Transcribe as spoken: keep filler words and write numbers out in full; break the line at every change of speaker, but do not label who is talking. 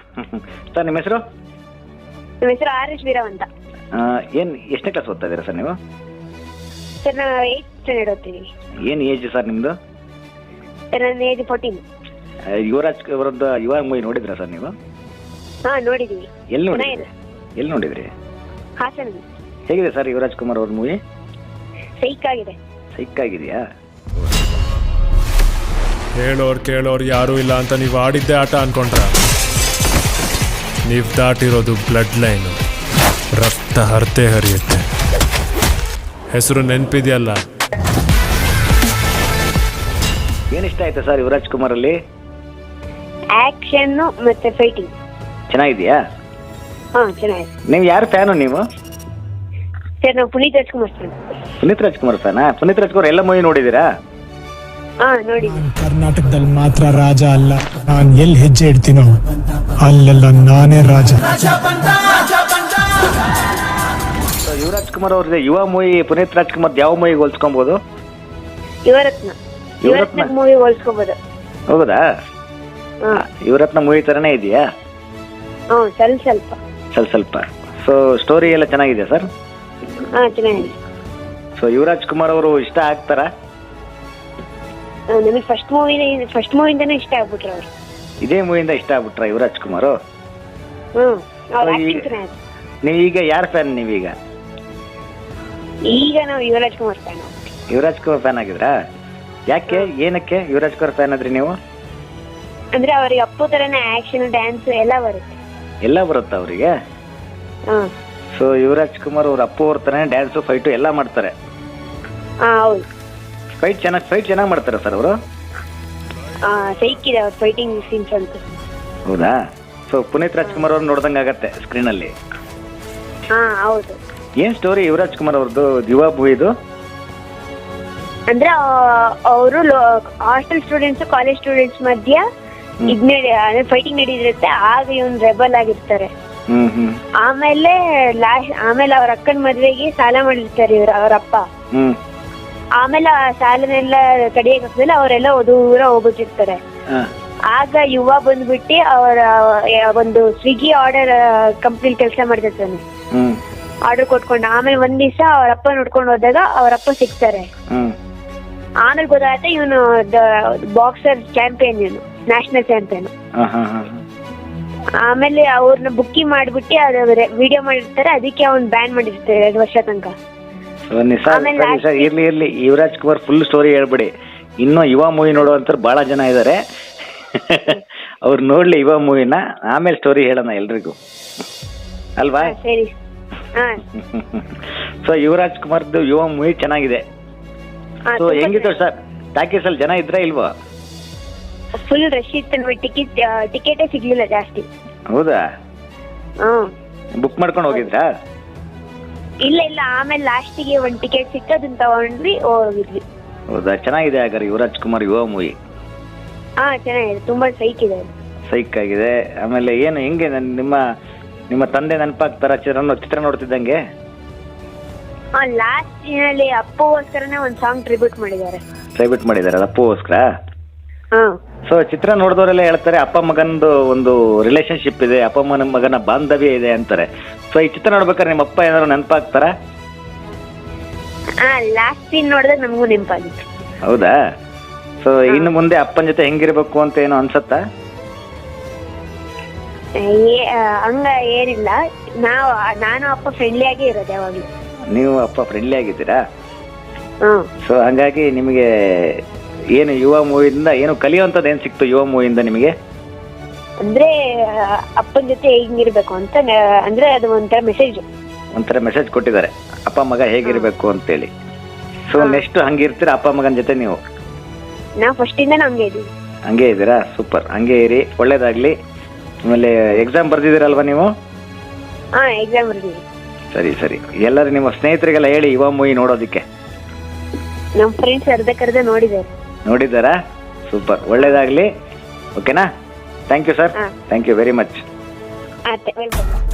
Sir ನಿಮ್ಮ ಹೆಸರು?
ನಮ್ಮ ಹೆಸರು ಆರ್ ಎಸ್ ವೀರವ್ ಅಂತ.
ಏನು ಎಷ್ಟನೇ ಕ್ಲಾಸ್ ಓದ್ತಾ ಇದ್ದೀರಾ ಸರ್ ನೀವು?
ಸರ್ ನಾವು ಏಯ್ತ್ ಸ್ಟ್ಯಾಂಡರ್ಡ್ ಓದ್ತೀವಿ.
ಏನು ಏಜ್ ಸರ್ ನಿಮ್ಮದು?
ಸರ್ ನನ್ನ ಏಜ್ ಫೋರ್ಟೀನ್.
ಯುವರಾಜ್ ಅವರದ್ದು ಯುವ ಮೂವಿ ನೋಡಿದ್ರಾ ಸರ್ ನೀವು?
ಹಾಂ ನೋಡಿದ್ದೀವಿ.
ಎಲ್ಲಿ ನೋಡಿದ್ರಿ? ಎಲ್ಲಿ ನೋಡಿದ್ರಿ?
ಹಾಸನ.
ಹೇಗಿದೆ ಸರ್ ಯುವರಾಜ್ ಕುಮಾರ್ ಅವ್ರ ಮೂವಿ?
ಸೈಕ್ ಆಗಿದೆ.
ಸೈಕ್ ಆಗಿದೆಯಾ?
ಹೇಳೋರು ಕೇಳೋರು ಯಾರೂ ಇಲ್ಲ ಅಂತ ನೀವು ಆಡಿದ್ದೆ ಆಟ ಅನ್ಕೊಂಡ್ರ? ನೀವು ದಾಟಿರೋದು ಬ್ಲಡ್ ಲೈನು, ರಕ್ತ ಹರ್ತೆ ಹರಿಯುತ್ತೆ. ಹೆಸರು ನೆನಪಿದೆಯಲ್ಲ?
ಏನಿಷ್ಟ ಆಯ್ತು ಸರ್ ಯುವರಾಜ್ ಕುಮಾರ್ ಅಲ್ಲಿ?
ಆಕ್ಷನ್ ಮತ್ತೆ ಫೈಟಿಂಗ್
ಚೆನ್ನಾಗಿದೆಯಾ?
ಹಾಂ ಚೆನ್ನಾಗಿದೆ.
ನೀವು ಯಾರು ಫ್ಯಾನು ನೀವು?
ಸರ್ ನಾವು ಪುನೀತ್ ರಾಜ್ಕುಮಾರ್ ಫ್ಯಾನ್.
ಪುನೀತ್ ರಾಜ್ಕುಮಾರ್ ಫ್ಯಾನಾ? ಪುನೀತ್ ರಾಜ್ಕುಮಾರ್ ಎಲ್ಲ ಮೂವಿ ನೋಡಿದ್ದೀರಾ?
ಹಾಂ ನೋಡಿದ್ದೀವಿ.
ಕರ್ನಾಟಕದಲ್ಲಿ ಮಾತ್ರ ರಾಜ ಅಲ್ಲ, ನಾನು ಎಲ್ಲಿ ಹೆಜ್ಜೆ ಇಡ್ತೀನೋ ಅಲ್ಲೆಲ್ಲ ನಾನೇ ರಾಜ.
ಯುವರಾಜ್ ಕುಮಾರ್ ಅವ್ರದ್ದು ಯುವ ಮೂವಿ ಪುನೀತ್ ರಾಜ್ಕುಮಾರ್ ಯಾವ ಮೂವಿಗೆ ಹೋಲ್ಸ್ಕೊಬಹುದು?
ಯುವರತ್ನ. ಯುವರತ್ನ ಮೂವಿ ಹೋಲ್ಸ್ಕೋಬಹುದು.
ಹೌದಾ?
ಹಾಂ
ಯುವರತ್ನ ಮೂವಿ ತರನೇ ಇದೆಯಾ?
ಹಾಂ ಸ್ವಲ್ಪ ಸ್ವಲ್ಪ
ಸ್ವಲ್ಪ ಸ್ವಲ್ಪ. ಸೊ ಸ್ಟೋರಿ ಎಲ್ಲ ಚೆನ್ನಾಗಿದೆ ಸರ್?
ಹಾಂ ಚೆನ್ನಾಗಿದೆ.
ಸೊ ಯುವರಾಜ್ ಕುಮಾರ್ ಅವರು ಇಷ್ಟ ಆಗ್ತಾರಾ?
ನಮಗೆ ಫಸ್ಟ್ ಮೂವಿನೇ ಫಸ್ಟ್ ಮೂವಿಂದನೇ ಇಷ್ಟ ಆಗ್ಬಿಟ್ರು ಅವರು.
ಇದೇ ಮೂವಿಯಿಂದ ಇಷ್ಟ ಆಗ್ಬಿಟ್ರ ಯುವರಾಜ್ ಕುಮಾರ್?
ಹ್ಞೂ ಅವ್ರ ಆಕ್ಟಿಂಗ್ ಚೆನ್ನಾಗಿದೆ.
ನೀವೀಗ ಯಾರ ಫ್ಯಾನ್ ನೀವೀಗ?
ಈಗ ನಾವು ಯುವರಾಜ್ ಕುಮಾರ್ ಫ್ಯಾನ್.
ಯುವರಾಜ್ ಕುಮಾರ್ ಫ್ಯಾನ್ ಆಗಿದ್ರಾ? ಯಾಕೆ, ಏನಕ್ಕೆ ಯುವರಾಜ್ ಕುಮಾರ್ ಫ್ಯಾನ್ ಆದ್ರಿ ನೀವು?
ಅಂದ್ರೆ ಅವ್ರಿಗೆ ಅಪ್ಪು ತರನೇ ಆಕ್ಷನ್ ಡ್ಯಾನ್ಸ್ ಎಲ್ಲ ಬರುತ್ತೆ.
ಎಲ್ಲ ಬರುತ್ತಾ ಅವರಿಗೆ?
ಹಾಂ
ಸೊ ಯುವರಾಜ್ ಕುಮಾರ್ ಅವ್ರ ಅಪ್ಪು ಅವ್ರ ತರನೇ ಡ್ಯಾನ್ಸು ಫೈಟು ಎಲ್ಲ ಮಾಡ್ತಾರೆ.
ಹಾಂ ಹೌದು.
ಫೈಟ್ ಚೆನ್ನಾಗಿ ಫೈಟ್ ಚೆನ್ನಾಗಿ ಮಾಡ್ತಾರೆ ಸರ್ ಅವರು?
ಸೈಕಿದೆ ಅವ್ರ ಫೈಟಿಂಗ್ ಸೀನ್ಸ್ ಅಂತ.
ಹೌದಾ? ಸೊ ಪುನೀತ್ ರಾಜ್ಕುಮಾರ್ ಅವ್ರು ನೋಡ್ದಂಗೆ ಆಗತ್ತೆ ಸ್ಕ್ರೀನಲ್ಲಿ.
ಹಾಂ ಹೌದು.
ಏನ್ ಸ್ಟೋರಿ ಯುವರಾಜ್ ಕುಮಾರ್ ಅವ್ರದ್ದು ಯುವ ಮೂವಿದು?
ಅಂದ್ರೆ ಅವರು ಹಾಸ್ಟೆಲ್ ಸ್ಟೂಡೆಂಟ್ಸ್ ಕಾಲೇಜ್ ಸ್ಟೂಡೆಂಟ್ಸ್ ಮಧ್ಯ ಇದ್ ಅಂದ್ರೆ ಫೈಟಿಂಗ್ ನಡೀದಿರುತ್ತೆ. ಆಗ ಇವನ್ ರೆಬಲ್ ಆಗಿರ್ತಾರೆ.
ಹ್ಮ್ ಹ್ಮ್.
ಆಮೇಲೆ ಲಾಸ್ಟ್ ಆಮೇಲೆ ಅವ್ರ ಅಕ್ಕನ ಮದ್ವೆಗೆ ಸಾಲ ಮಾಡಿರ್ತಾರೆ ಇವ್ರ ಅವ್ರ ಅಪ್ಪ.
ಹ್ಮ್.
ಆಮೇಲೆ ಆ ಸಾಲನೆಲ್ಲ ಕಡಿಯಕ್ ಹಾಕ್ಮೇಲೆ ಅವರೆಲ್ಲ ದೂರ ಹೋಗ್ಬಿಟ್ಟಿರ್ತಾರೆ. ಆಗ ಯುವ ಬಂದ್ಬಿಟ್ಟು ಅವರ ಒಂದು ಸ್ವಿಗ್ಗಿ ಆರ್ಡರ್ ಕಂಪ್ನಿ ಕೆಲಸ ಮಾಡ್ತಿರ್ತಾನೆ. ಆರ್ಡರ್ ಕೊಟ್ಕೊಂಡು ಆಮೇಲೆ ಒಂದ್ ದಿವಸ ಅವ್ರ ಅಪ್ಪ ನೋಡ್ಕೊಂಡು ಹೋದಾಗ ಅವ್ರ ಅಪ್ಪ ಸಿಗ್ತಾರೆ. ಆಮೇಲೆ ಗೊತ್ತಾಗುತ್ತೆ ಇವನು ಬಾಕ್ಸರ್ ಚಾಂಪಿಯನ್, ಇವನು ನ್ಯಾಷನಲ್ ಚಾಂಪಿಯನ್. ಆಮೇಲೆ ಅವ್ರನ್ನ ಬುಕ್ಕಿಂಗ್ ಮಾಡ್ಬಿಟ್ಟು ಅದು ವಿಡಿಯೋ ಮಾಡಿರ್ತಾರೆ. ಅದಕ್ಕೆ ಅವ್ನ್ ಬ್ಯಾನ್ ಮಾಡಿರ್ತಾರೆ ಎರಡು ವರ್ಷ ತನಕ.
ಇರ್ಲಿ ಇರ್ಲಿ ಯುವರಾಜ್ ಕುಮಾರ್ ಫುಲ್ ಸ್ಟೋರಿ ಹೇಳ್ಬಿಡಿ. ಇನ್ನೂ ಯುವ ಮೂವಿ ನೋಡುವಂತ ಬಹಳ ಜನ ಇದಾರೆ. ಅವ್ರು ನೋಡ್ಲಿ ಯುವ ಮೂವಿನ, ಆಮೇಲೆ ಸ್ಟೋರಿ ಹೇಳೋಣ ಎಲ್ರಿಗೂ, ಅಲ್ವಾ?
ಸರಿ.
ಸೊ ಯುವರಾಜ್ ಕುಮಾರ್ದು ಯುವ ಮೂವಿ ಚೆನ್ನಾಗಿದೆ. ಸೊ ಹೆಂಗಿತ್ತು ಸರ್ ಟಾಕೀಸ್ ಅಲ್ಲಿ, ಜನ ಇದ್ರ ಇಲ್ವಾ?
ಫುಲ್ ರಶ್ ಇತ್ತು. ಟಿಕೆಟ್ ಟಿಕೆಟೇ ಸಿಗ್ಲಿಲ್ಲ ಜಾಸ್ತಿ.
ಹೌದಾ?
ಹ್ಮ್.
ಬುಕ್ ಮಾಡ್ಕೊಂಡು ಹೋಗಿದ್ರಾ?
ಇಲ್ಲ ಇಲ್ಲ, ಆಮೇಲೆ ಲಾಸ್ಟಿಗೆ ಒಂದ್ ಟಿಕೆಟ್ ಸಿಕ್ತು, ಅದನ್ನ ತಗೊಂಡ್ವಿ ಹೋಗಿದ್ವಿ.
ಹೌದಾ? ಚೆನ್ನಾಗಿದೆ ಹಾಗಾದ್ರೆ ಯುವರಾಜ್ ಕುಮಾರ್ ಯುವ ಮೂವಿ?
ಹಾ ಚೆನ್ನಾಗಿದೆ, ತುಂಬಾ ಸೈಕ್ ಇದೆ.
ಸೈಕ್ ಆಗಿದೆ. ಆಮೇಲೆ ಏನು ಹೆಂಗೆ ನಿಮ್ಮ ನಿಮ್ಮ ತಂದೆ ನೆನಪಾಗ್ತಾರ ಚಿತ್ರ ಚಿತ್ರ ನೋಡ್ತಿದ್ದಂಗೆ?
ಹಾ, ಲಾಸ್ಟ್ ಸೀನಲ್ಲಿ ಅಪ್ಪಗೋಸ್ಕರನೇ ಒಂದ್ ಸಾಂಗ್ ಟ್ರಿಬ್ಯೂಟ್ ಮಾಡಿದ್ದಾರೆ.
ಟ್ರಿಬ್ಯೂಟ್ ಮಾಡಿದ್ದಾರೆ ಅಪ್ಪಗೋಸ್ಕರ?
ಹಾ. ಸೊ
ಚಿತ್ರ ನೋಡಿದವರೆಲ್ಲ ಹೇಳ್ತಾರೆ ಅಪ್ಪ ಮಗನದು ಒಂದು ರಿಲೇಶನ್ಶಿಪ್ ಇದೆ, ಅಪ್ಪ ಮಗನ ಮಗನ ಬಾಂಧವ್ಯ ಇದೆ ಅಂತಾರೆ. ಸೊ ಈ ಚಿತ್ರ ನೋಡ್ಬೇಕಾದ್ರೆ ನಿಮ್ಮ ಅಪ್ಪ ಏನಾದ್ರು ನೆನಪಾಗ್ತಾರ?
ಹಾ, ಲಾಸ್ಟ್ ಸೀನ್ ನೋಡಿದಾಗ ನಮಗೂ ನೆನಪಾಗಿತ್ತು.
ಹೌದಾ? ಸೊ ಇನ್ನು ಮುಂದೆ ಅಪ್ಪನ ಜೊತೆ ಹೆಂಗಿರ್ಬೇಕು ಅಂತ ಏನೋ ಅನ್ಸತ್ತಾ?
ಹಂಗ ಏನಿಲ್ಲ, ನಾವು ನಾನು ಅಪ್ಪ ಫ್ರೆಂಡ್ಲಿ ಆಗಿ ಇರೋದು ಯಾವಾಗ್ಲೂ.
ನೀವು ಅಪ್ಪ ಫ್ರೆಂಡ್ಲಿ ಆಗಿದ್ದೀರಾ?
ಹ್ಮ್.
ಸೊ ಹಂಗಾಗಿ ನಿಮಗೆ ಏನು ಯುವ ಮೂವಿಯಿಂದ ಏನು ಕಲಿಯುವಂಥದ್ದು ಏನು ಸಿಕ್ತು ಯುವ ಮೂವಿಯಿಂದ ನಿಮಗೆ?
ಅಂದ್ರೆ ಅಪ್ಪನ ಜೊತೆ ಹೆಂಗಿರ್ಬೇಕು ಅಂತ, ಅಂದ್ರೆ ಅದು ಒಂಥರ ಮೆಸೇಜ್
ಒಂಥರ ಮೆಸೇಜ್ ಕೊಟ್ಟಿದ್ದಾರೆ, ಅಪ್ಪ ಮಗ ಹೇಗಿರ್ಬೇಕು ಅಂತೇಳಿ. ಸೊ ನೆಕ್ಸ್ಟ್ ಹಂಗಿರ್ತೀರಾ ಅಪ್ಪ ಮಗನ ಜೊತೆ ನೀವು?
ನಾವು ಫಸ್ಟ್ ಇಂದ ಹಂಗೆ ಇದೀವಿ.
ಹಂಗೆ ಇದ್ದೀರಾ? ಸೂಪರ್, ಹಂಗೆ ಇರಿ, ಒಳ್ಳೇದಾಗ್ಲಿ. ಆಮೇಲೆ ಎಕ್ಸಾಮ್ ಬರ್ದಿದ್ದೀರಲ್ವಾ ನೀವು?
ಹಾ, ಎಕ್ಸಾಮ್ ಬರ್ದಿದ್ದೀವಿ.
ಸರಿ ಸರಿ. ಎಲ್ಲರೂ ನಿಮ್ಮ ಸ್ನೇಹಿತರಿಗೆಲ್ಲ ಹೇಳಿ ಯುವ ಮೂವಿ ನೋಡೋದಕ್ಕೆ.
ನಮ್ಮ ಫ್ರೆಂಡ್ಸ್ ಅರ್ಧ ಕರ್ದ ನೋಡಿದ್ದಾರೆ.
ನೋಡಿದ್ದಾರಾ? ಸೂಪರ್, ಒಳ್ಳೇದಾಗ್ಲಿ. ಓಕೆನಾ? Thank you sir, thank you very much.
Welcome.